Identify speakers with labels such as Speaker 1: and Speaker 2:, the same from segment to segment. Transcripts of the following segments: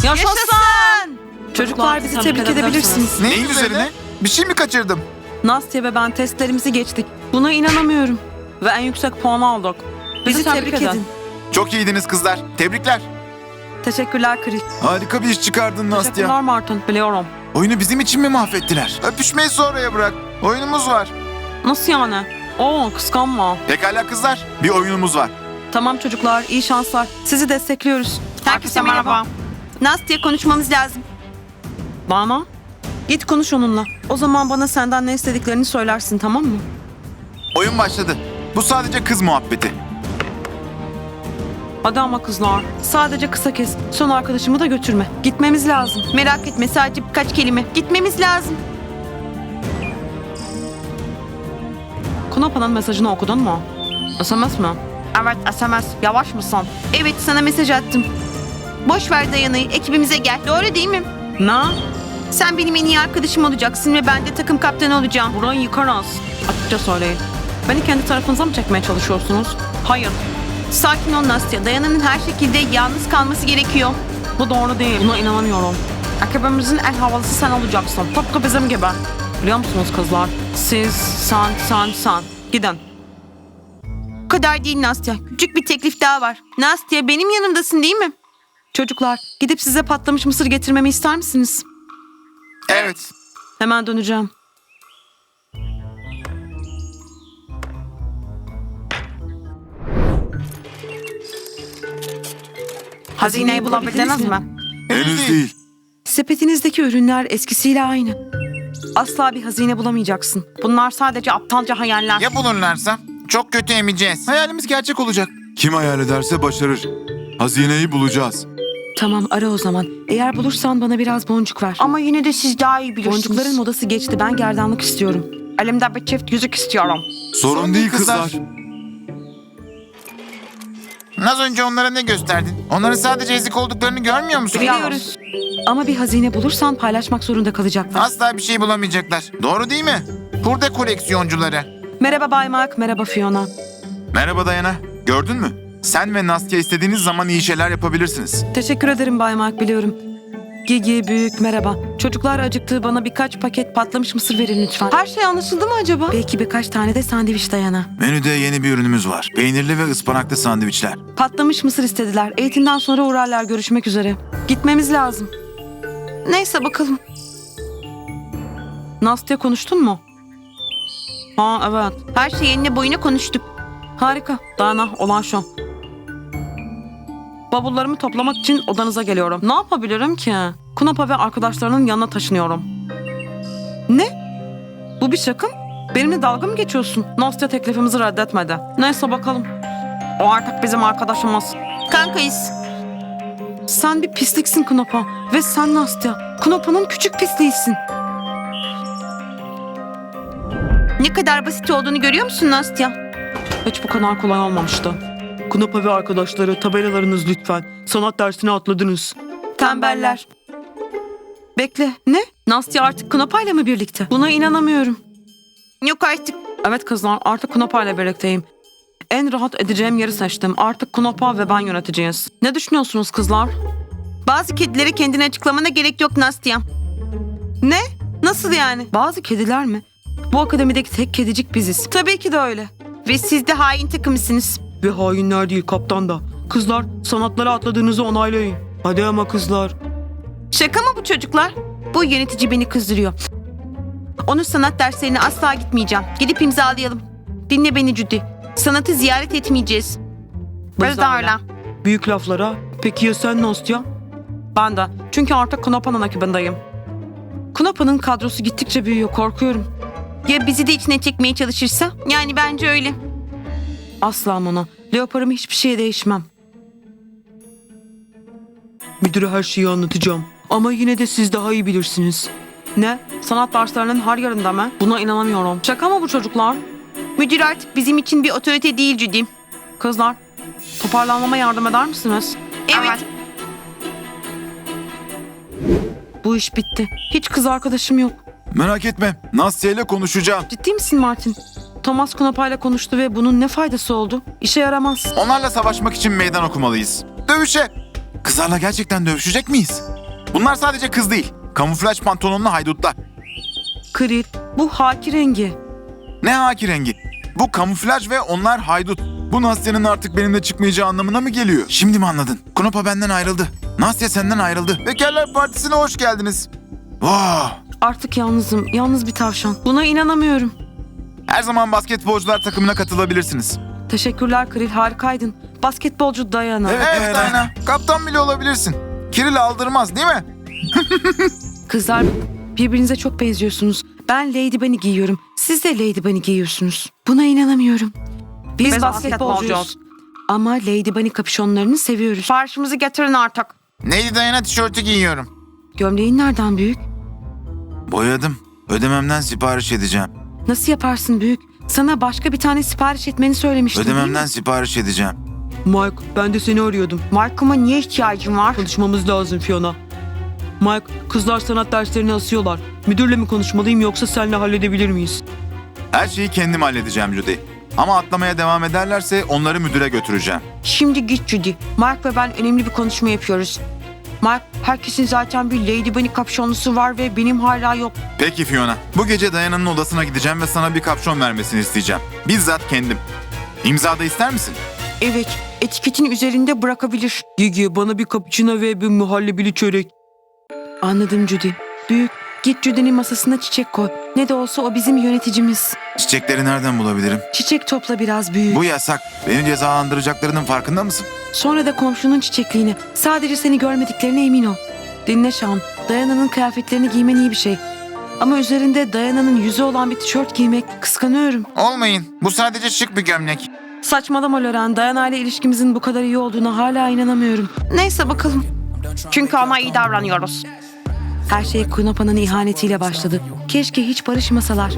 Speaker 1: Yaşasın! Çocuklar bizi tebrik edebilirsiniz.
Speaker 2: Neyin üzerine? Bir şey mi kaçırdım?
Speaker 1: Nastya ve ben testlerimizi geçtik. Buna inanamıyorum. Ve en yüksek puanı aldık. Bizi tebrik edin.
Speaker 2: Çok iyiydiniz kızlar. Tebrikler.
Speaker 1: Teşekkürler Chris.
Speaker 2: Harika bir iş çıkardın Nastya.
Speaker 1: Teşekkürler Martin. Biliyorum.
Speaker 2: Oyunu bizim için mi mahvettiler? Öpüşmeyi sonraya bırak. Oyunumuz var.
Speaker 1: Nasıl yani? Oo, kıskanma.
Speaker 2: Pekala kızlar. Bir oyunumuz var.
Speaker 1: Tamam çocuklar, iyi şanslar. Sizi destekliyoruz.
Speaker 3: Herkese merhaba.
Speaker 1: Nastya, konuşmamız lazım. Bana? Git konuş onunla. O zaman bana senden ne istediklerini söylersin, tamam mı?
Speaker 2: Oyun başladı. Bu sadece kız muhabbeti.
Speaker 1: Hadi ama kızlar. Sadece kısa kes. Son arkadaşımı da götürme. Gitmemiz lazım. Merak etme, sadece birkaç kelime. Gitmemiz lazım. Kunapa'nın mesajını okudun mu? SMS mi? Evet, SMS. Yavaş mısın? Evet, sana mesaj attım. Boş ver Dayana'yı, ekibimize gel. Doğru değil mi? Ne? Sen benim en iyi arkadaşım olacaksın ve ben de takım kaptanı olacağım. Burayı yıkarız. Açıkça söyleyin. Beni kendi tarafınıza mı çekmeye çalışıyorsunuz? Hayır. Sakin ol Nastya. Dayana'nın her şekilde yalnız kalması gerekiyor. Bu doğru değil. Buna inanamıyorum. Ekibimizin en havalısı sen olacaksın. Tıpkı bizim gibi. Biliyor musunuz kızlar? Siz, sen. Gidin. Bu kadar değil Nastya. Küçük bir teklif daha var. Nastya, benim yanımdasın değil mi? Çocuklar, gidip size patlamış mısır getirmemi ister misiniz?
Speaker 2: Evet.
Speaker 1: Hemen döneceğim. Hazineyi bulabildiniz mi?
Speaker 2: Henüz değil.
Speaker 1: Sepetinizdeki ürünler eskisiyle aynı. Asla bir hazine bulamayacaksın. Bunlar sadece aptalca hayaller.
Speaker 2: Ya bulurlarsa? Çok kötü emeceğiz. Hayalimiz gerçek olacak. Kim hayal ederse başarır. Hazineyi bulacağız.
Speaker 1: Tamam, ara o zaman. Eğer bulursan bana biraz boncuk ver. Ama yine de siz daha iyi bilirsiniz. Boncukların modası geçti. Ben gerdanlık istiyorum. Elimde bir çift yüzük istiyorum.
Speaker 2: Sorun değil kızlar. Az önce onlara ne gösterdin? Onların sadece ezik olduklarını görmüyor musun?
Speaker 1: Biliyoruz. Ama bir hazine bulursan paylaşmak zorunda kalacaklar.
Speaker 2: Asla bir şey bulamayacaklar. Doğru değil mi? Hurda koleksiyoncuları.
Speaker 1: Merhaba Bay Mark, merhaba Fiona.
Speaker 2: Merhaba Dayana. Gördün mü? Sen ve Nastya istediğiniz zaman iyi şeyler yapabilirsiniz.
Speaker 1: Teşekkür ederim Bay Mark, biliyorum. Gigi, Büyük, merhaba. Çocuklar acıktı, bana birkaç paket patlamış mısır verin lütfen. Her şey anlaşıldı mı acaba? Belki birkaç tane de sandviç Dayana.
Speaker 2: Menüde yeni bir ürünümüz var. Peynirli ve ıspanaklı sandviçler.
Speaker 1: Patlamış mısır istediler. Eğitimden sonra uğrarlar, görüşmek üzere. Gitmemiz lazım. Neyse bakalım. Nastya, konuştun mu? Ha evet. Her şey enine boyuna konuştuk. Harika. Dayana, olan şu. Bavullarımı toplamak için odanıza geliyorum. Ne yapabilirim ki? Kunapa ve arkadaşlarının yanına taşınıyorum. Ne? Bu bir şaka mı? Benimle dalga mı geçiyorsun? Nastya teklifimizi reddetmedi. Neyse bakalım. O artık bizim arkadaşımız. Kankayız. Sen bir pisliksin Kunapa. Ve sen Nastya. Kunapa'nın küçük pisliğisin. Ne kadar basit olduğunu görüyor musun Nastya? Hiç bu kadar kolay olmamıştı.
Speaker 4: Kunapa ve arkadaşları, tabelalarınız lütfen. Sanat dersine atladınız.
Speaker 1: Tembeller. Bekle, ne? Nastya artık Kunapa'yla mı birlikte? Buna inanamıyorum. Yok artık. Evet kızlar, artık Kunapa'yla birlikteyim. En rahat edeceğim yeri seçtim. Artık Kunapa ve ben yöneteceğiz. Ne düşünüyorsunuz kızlar? Bazı kedilere kendini açıklamana gerek yok Nastya. Ne? Nasıl yani? Bazı kediler mi? Bu akademideki tek kedicik biziz. Tabii ki de öyle. Ve siz de hain takımısınız.
Speaker 4: Ve hainler değil, kaptan da. Kızlar, sanatlara atladığınızı onaylayın. Hadi ama kızlar.
Speaker 1: Şaka mı bu çocuklar? Bu yönetici beni kızdırıyor. Onun sanat derslerine asla gitmeyeceğim. Gidip imzalayalım. Dinle beni Judy. Sanatı ziyaret etmeyeceğiz. Biz de öyle.
Speaker 4: Büyük laflara. Peki ya sen Nastya?
Speaker 1: Ben de. Çünkü artık Kunapa'nın ekibindeyim. Kunapa'nın kadrosu gittikçe büyüyor. Korkuyorum. Ya bizi de içine çekmeye çalışırsa? Yani bence öyle. Asla Mona. Leoparımı hiçbir şeye değişmem.
Speaker 4: Müdüre her şeyi anlatacağım. Ama yine de siz daha iyi bilirsiniz.
Speaker 1: Ne? Sanat derslerinin her yerinde mi? Buna inanamıyorum. Şaka mı bu çocuklar? Müdür artık bizim için bir otorite değil Judy. Kızlar, toparlanmama yardım eder misiniz? Evet. Bu iş bitti. Hiç kız arkadaşım yok.
Speaker 2: Merak etme. Nastya ile konuşacağım.
Speaker 1: Ciddi misin Martin? Thomas Kunapa ile konuştu ve bunun ne faydası oldu? İşe yaramaz.
Speaker 2: Onlarla savaşmak için meydan okumalıyız. Dövüşe. Kızlarla gerçekten dövüşecek miyiz? Bunlar sadece kız değil. Kamuflaj pantolonlu haydutlar.
Speaker 4: Kril, bu haki rengi.
Speaker 2: Ne haki rengi? Bu kamuflaj ve onlar haydut. Bu Nastya'nın artık benimle çıkmayacağı anlamına mı geliyor? Şimdi mi anladın? Knopa benden ayrıldı. Nastya senden ayrıldı. Bekarlar Partisi'ne hoş geldiniz. Wow.
Speaker 4: Artık yalnızım, yalnız bir tavşan. Buna inanamıyorum.
Speaker 2: Her zaman basketbolcular takımına katılabilirsiniz.
Speaker 4: Teşekkürler Kril, harikaydın. Basketbolcu Diana.
Speaker 2: Evet Diana. Kaptan bile olabilirsin. Kiril aldırmaz değil mi?
Speaker 4: Kızlar, birbirinize çok benziyorsunuz. Ben Lady Bunny giyiyorum. Siz de Lady Bunny giyiyorsunuz. Buna inanamıyorum. Biz basketbolcuyuz. Ama Lady Bunny kapüşonlarını seviyoruz.
Speaker 1: Siparişimizi getirin artık.
Speaker 2: Neydi Diana tişörtü giyiyorum.
Speaker 4: Gömleğin nereden büyük?
Speaker 2: Boyadım. Ödememden sipariş edeceğim.
Speaker 4: Nasıl yaparsın büyük? Sana başka bir tane sipariş etmeni söylemiştim değil mi?
Speaker 2: Ödememden sipariş edeceğim.
Speaker 4: Mike, ben de seni arıyordum.
Speaker 1: Markıma niye ihtiyacım var?
Speaker 4: Konuşmamız lazım Fiona. Mike, kızlar sanat derslerini asıyorlar. Müdürle mi konuşmalıyım yoksa seninle halledebilir miyiz?
Speaker 2: Her şeyi kendim halledeceğim Judy. Ama atlamaya devam ederlerse onları müdüre götüreceğim.
Speaker 1: Şimdi git Judy. Mark ve ben önemli bir konuşma yapıyoruz. Mark, herkesin zaten bir Lady Bunny kapşonlusu var ve benim hala yok.
Speaker 2: Peki Fiona. Bu gece Diana'nın odasına gideceğim ve sana bir kapşon vermesini isteyeceğim. Bizzat kendim. İmza da ister misin?
Speaker 1: Evet, etiketin üzerinde bırakabilir.
Speaker 4: Gigi, bana bir cappuccino ve bir muhallebili çörek. Anladım Judy. Büyük, git Judy'nin masasına çiçek koy. Ne de olsa o bizim yöneticimiz.
Speaker 2: Çiçekleri nereden bulabilirim?
Speaker 4: Çiçek topla biraz büyük.
Speaker 2: Bu yasak. Beni cezalandıracaklarının farkında mısın?
Speaker 4: Sonra da komşunun çiçekliğini. Sadece seni görmediklerine emin ol. Dinle Sean, Diana'nın kıyafetlerini giymen iyi bir şey. Ama üzerinde Diana'nın yüzü olan bir tişört giymek kıskanıyorum.
Speaker 2: Olmayın. Bu sadece şık bir gömlek.
Speaker 4: Saçmalama Loren, Diana ile ilişkimizin bu kadar iyi olduğuna hala inanamıyorum.
Speaker 1: Neyse bakalım. Çünkü ona iyi davranıyoruz.
Speaker 4: Her şey Knopa'nın ihanetiyle başladı. Keşke hiç barışmasalar.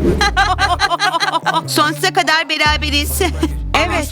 Speaker 1: Sonsuza kadar beraberiz. Evet.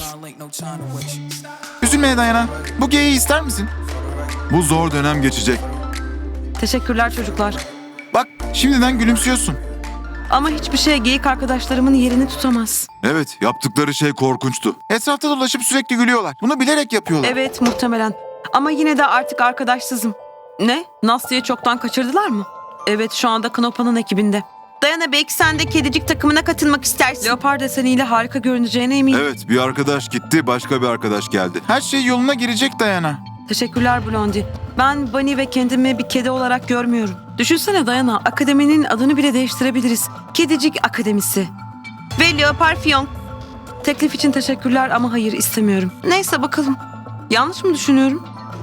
Speaker 2: Üzülmeye Diana. Bu geyiği ister misin? Bu zor dönem geçecek.
Speaker 4: Teşekkürler çocuklar.
Speaker 2: Bak şimdiden gülümsüyorsun.
Speaker 4: Ama hiçbir şey geyik arkadaşlarımın yerini tutamaz.
Speaker 2: Evet, yaptıkları şey korkunçtu. Etrafta dolaşıp sürekli gülüyorlar. Bunu bilerek yapıyorlar.
Speaker 4: Evet, muhtemelen. Ama yine de artık arkadaşsızım. Ne? Nastya'yı çoktan kaçırdılar mı? Evet, şu anda Knopa'nın ekibinde.
Speaker 1: Dayana, belki sen de kedicik takımına katılmak istersin.
Speaker 4: Leopar deseniyle harika görüneceğine eminim.
Speaker 2: Evet, bir arkadaş gitti, başka bir arkadaş geldi. Her şey yoluna girecek Diana.
Speaker 4: Teşekkürler Blondie. Ben Bunny ve kendimi bir kedi olarak görmüyorum. Düşünsene Diana, akademinin adını bile değiştirebiliriz. Kedicik Akademisi.
Speaker 1: Ve Leopar Fiyon.
Speaker 4: Teklif için teşekkürler ama hayır istemiyorum.
Speaker 1: Neyse bakalım.
Speaker 4: Yanlış mı düşünüyorum?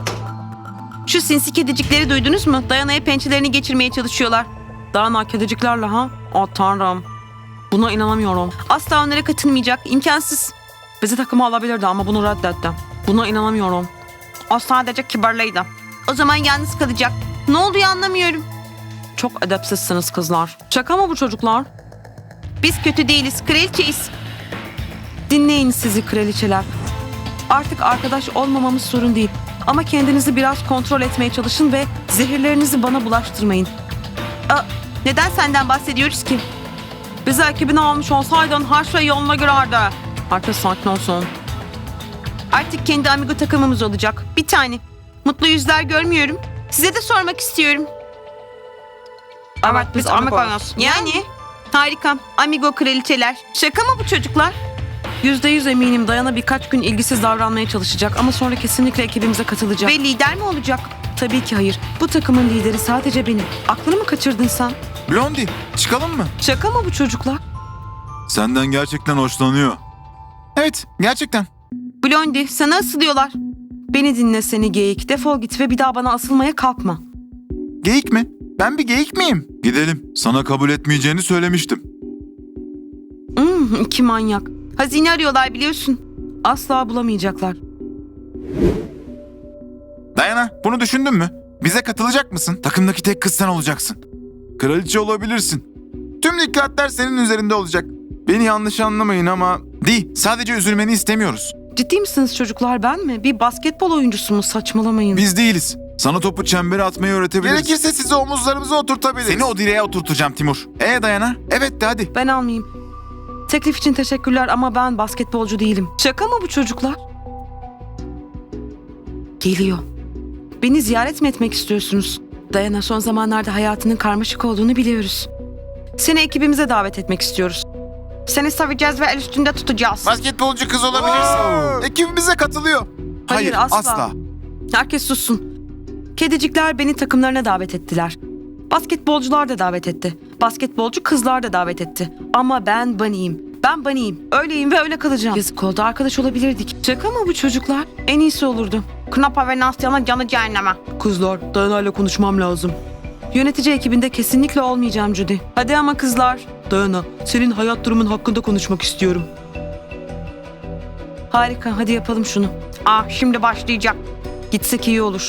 Speaker 1: Şu sinsi kedicikleri duydunuz mu? Dayana'ya pençelerini geçirmeye çalışıyorlar.
Speaker 4: Diana kediciklerle ha? Oh tanrım. Buna inanamıyorum.
Speaker 1: Asla onlara katılmayacak. İmkansız.
Speaker 4: Bizi takıma alabilirdi ama bunu reddetti. Buna inanamıyorum.
Speaker 1: O sadece kibarlıydı. O zaman yalnız kalacak. Ne olduğu anlamıyorum.
Speaker 4: Çok edepsizsiniz kızlar. Şaka mı bu çocuklar?
Speaker 1: Biz kötü değiliz. Kraliçeyiz.
Speaker 4: Dinleyin sizi kraliçeler. Artık arkadaş olmamamız sorun değil. Ama kendinizi biraz kontrol etmeye çalışın ve zehirlerinizi bana bulaştırmayın.
Speaker 1: Neden senden bahsediyoruz ki?
Speaker 4: Bizi ekibine almış olsaydın her şey yoluna girerdi. Herkes sakin olsun.
Speaker 1: Artık kendi amigo takımımız olacak. Bir tane. Mutlu yüzler görmüyorum. Size de sormak istiyorum.
Speaker 4: Evet biz amigos.
Speaker 1: Yani? Harika. Amigo kraliçeler. Şaka mı bu çocuklar?
Speaker 4: %100 eminim Diana birkaç gün ilgisiz davranmaya çalışacak ama sonra kesinlikle ekibimize katılacak.
Speaker 1: Ve lider mi olacak?
Speaker 4: Tabii ki hayır. Bu takımın lideri sadece benim. Aklını mı kaçırdın sen?
Speaker 2: Blondie, çıkalım mı?
Speaker 4: Şaka mı bu çocuklar?
Speaker 2: Senden gerçekten hoşlanıyor. Evet, gerçekten.
Speaker 1: Blondie, sana asılıyorlar.
Speaker 4: Beni dinle seni geyik. Defol git ve bir daha bana asılmaya kalkma.
Speaker 2: Geyik mi? Ben bir geyik miyim? Gidelim. Sana kabul etmeyeceğini söylemiştim.
Speaker 4: İki manyak.
Speaker 1: Hazine arıyorlar biliyorsun.
Speaker 4: Asla bulamayacaklar.
Speaker 2: Diana, bunu düşündün mü? Bize katılacak mısın? Takımdaki tek kız sen olacaksın. Kraliçe olabilirsin. Tüm dikkatler senin üzerinde olacak. Beni yanlış anlamayın ama... Değil, sadece üzülmeni istemiyoruz.
Speaker 4: Ciddi misiniz çocuklar, ben mi? Bir basketbol oyuncusu mu? Saçmalamayın.
Speaker 2: Biz değiliz. Sana topu çembere atmayı öğretebiliriz. Gerekirse sizi omuzlarımıza oturtabiliriz. Seni o direğe oturtacağım Timur. Diana? Evet de hadi.
Speaker 4: Ben almayayım. Teklif için teşekkürler ama ben basketbolcu değilim. Şaka mı bu çocuklar? Geliyor. Beni ziyaret mi etmek istiyorsunuz? Dayana, son zamanlarda hayatının karmaşık olduğunu biliyoruz. Seni ekibimize davet etmek istiyoruz.
Speaker 1: Seni seveceğiz ve el üstünde tutacağız.
Speaker 2: Basketbolcu kız olabilirsin. Ekibimize katılıyor.
Speaker 4: Hayır, asla. Herkes sussun. Kedicikler beni takımlarına davet ettiler. Basketbolcular da davet etti. Basketbolcu kızlar da davet etti. Ama ben Bunny'yim. Ben Bunny'yim. Öyleyim ve öyle kalacağım. Yazık oldu, arkadaş olabilirdik. Şaka mı bu çocuklar? En iyisi olurdu.
Speaker 1: Knapa ve Nastya'nın canı cehenneme.
Speaker 4: Kızlar, Dayana'yla konuşmam lazım. Yönetici ekibinde kesinlikle olmayacağım Judy. Hadi ama kızlar. Dayana, senin hayat durumun hakkında konuşmak istiyorum. Harika, hadi yapalım şunu.
Speaker 1: Şimdi başlayacak.
Speaker 4: Gitsek iyi olur.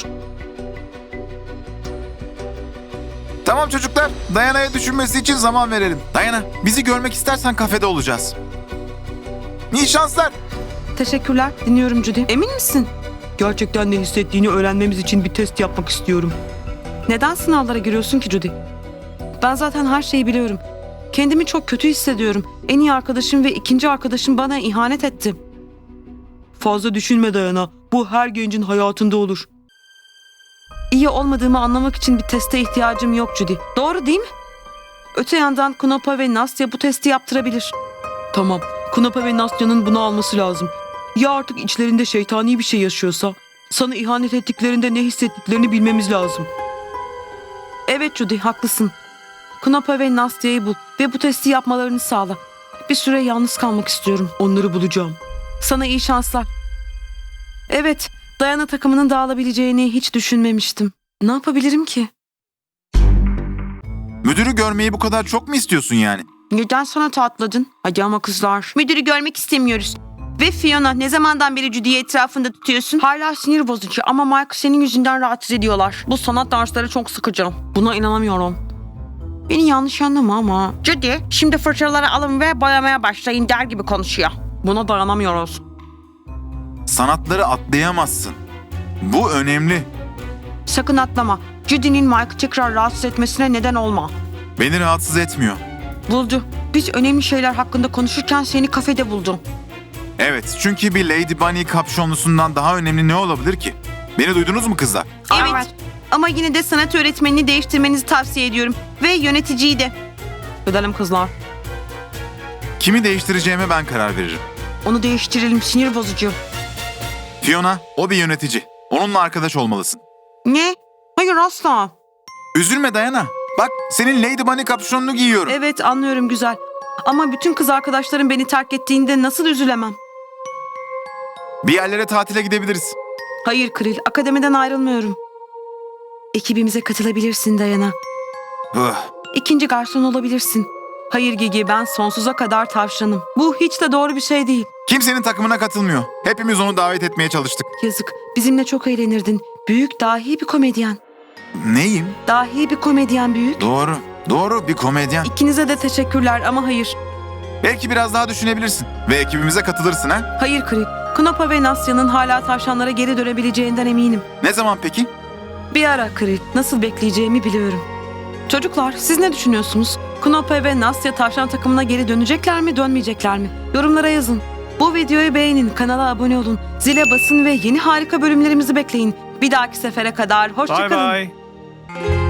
Speaker 2: Tamam çocuklar, Dayana'ya düşünmesi için zaman verelim. Dayana, bizi görmek istersen kafede olacağız. İyi şanslar.
Speaker 4: Teşekkürler, dinliyorum Judy. Emin misin? Gerçekten ne hissettiğini öğrenmemiz için bir test yapmak istiyorum. Neden sınavlara giriyorsun ki Judy? Ben zaten her şeyi biliyorum. Kendimi çok kötü hissediyorum. En iyi arkadaşım ve ikinci arkadaşım bana ihanet etti. Fazla düşünme Dayana. Bu her gencin hayatında olur. İyi olmadığımı anlamak için bir teste ihtiyacım yok Judy. Doğru değil mi? Öte yandan Knopa ve Nastya bu testi yaptırabilir. Tamam. Knopa ve Nastya'nın bunu alması lazım. Ya artık içlerinde şeytani bir şey yaşıyorsa? Sana ihanet ettiklerinde ne hissettiklerini bilmemiz lazım. Evet Judy, haklısın. Knopa ve Nastya'yı bul ve bu testi yapmalarını sağla. Bir süre yalnız kalmak istiyorum. Onları bulacağım. Sana iyi şanslar. Evet, Dayana takımının dağılabileceğini hiç düşünmemiştim. Ne yapabilirim ki?
Speaker 2: Müdürü görmeyi bu kadar çok mu istiyorsun yani?
Speaker 1: Neden sanata atladın?
Speaker 4: Hadi ama kızlar.
Speaker 1: Müdürü görmek istemiyoruz. Ve Fiona, ne zamandan beri Judy'yi etrafında tutuyorsun? Hala sinir bozucu ama Mike senin yüzünden rahatsız ediyorlar.
Speaker 4: Bu sanat dersleri çok sıkıcı. Buna inanamıyorum. Beni yanlış anlama ama
Speaker 1: Judy, şimdi fırçaları alın ve boyamaya başlayın der gibi konuşuyor.
Speaker 4: buna dayanamıyoruz.
Speaker 2: Sanatları atlayamazsın. Bu önemli.
Speaker 1: Sakın atlama. Judy'nin Mike'ı tekrar rahatsız etmesine neden olma.
Speaker 2: Beni rahatsız etmiyor.
Speaker 1: Buldu. Biz önemli şeyler hakkında konuşurken seni kafede buldu.
Speaker 2: Evet, çünkü bir Lady Bunny kapşonlusundan daha önemli ne olabilir ki? Beni duydunuz mu kızlar?
Speaker 1: Evet. Ama yine de sanat öğretmenini değiştirmenizi tavsiye ediyorum. Ve yöneticiyi de.
Speaker 4: Gidelim kızlar.
Speaker 2: Kimi değiştireceğime ben karar veririm.
Speaker 1: Onu değiştirelim, sinir bozucu.
Speaker 2: Fiona, o bir yönetici. Onunla arkadaş olmalısın.
Speaker 1: Ne? Hayır asla.
Speaker 2: Üzülme Dayana. Bak, senin Lady Bunny kapşonunu giyiyorum.
Speaker 4: Evet, anlıyorum, güzel. Ama bütün kız arkadaşlarım beni terk ettiğinde nasıl üzülemem?
Speaker 2: Bir yerlere tatile gidebiliriz.
Speaker 4: Hayır Kril, akademiden ayrılmıyorum. Ekibimize katılabilirsin Dayana. İkinci garson olabilirsin. Hayır Gigi, ben sonsuza kadar tavşanım. Bu hiç de doğru bir şey değil.
Speaker 2: Kimsenin takımına katılmıyor. Hepimiz onu davet etmeye çalıştık.
Speaker 4: Yazık, bizimle çok eğlenirdin. Büyük, dahi bir komedyen.
Speaker 2: Neyim?
Speaker 4: Dahi bir komedyen büyük.
Speaker 2: Doğru bir komedyen.
Speaker 4: İkinize de teşekkürler ama hayır.
Speaker 2: Belki biraz daha düşünebilirsin ve ekibimize katılırsın ha?
Speaker 4: Hayır Kril, Knopa ve Nastya'nın hala tavşanlara geri dönebileceğinden eminim.
Speaker 2: Ne zaman peki?
Speaker 4: Bir ara Kril, nasıl bekleyeceğimi biliyorum. Çocuklar, siz ne düşünüyorsunuz? Knopa ve Nastya tavşan takımına geri dönecekler mi, dönmeyecekler mi? Yorumlara yazın. Bu videoyu beğenin, kanala abone olun, zile basın ve yeni harika bölümlerimizi bekleyin. Bir dahaki sefere kadar hoşça
Speaker 3: Bye
Speaker 4: kalın.
Speaker 3: bye.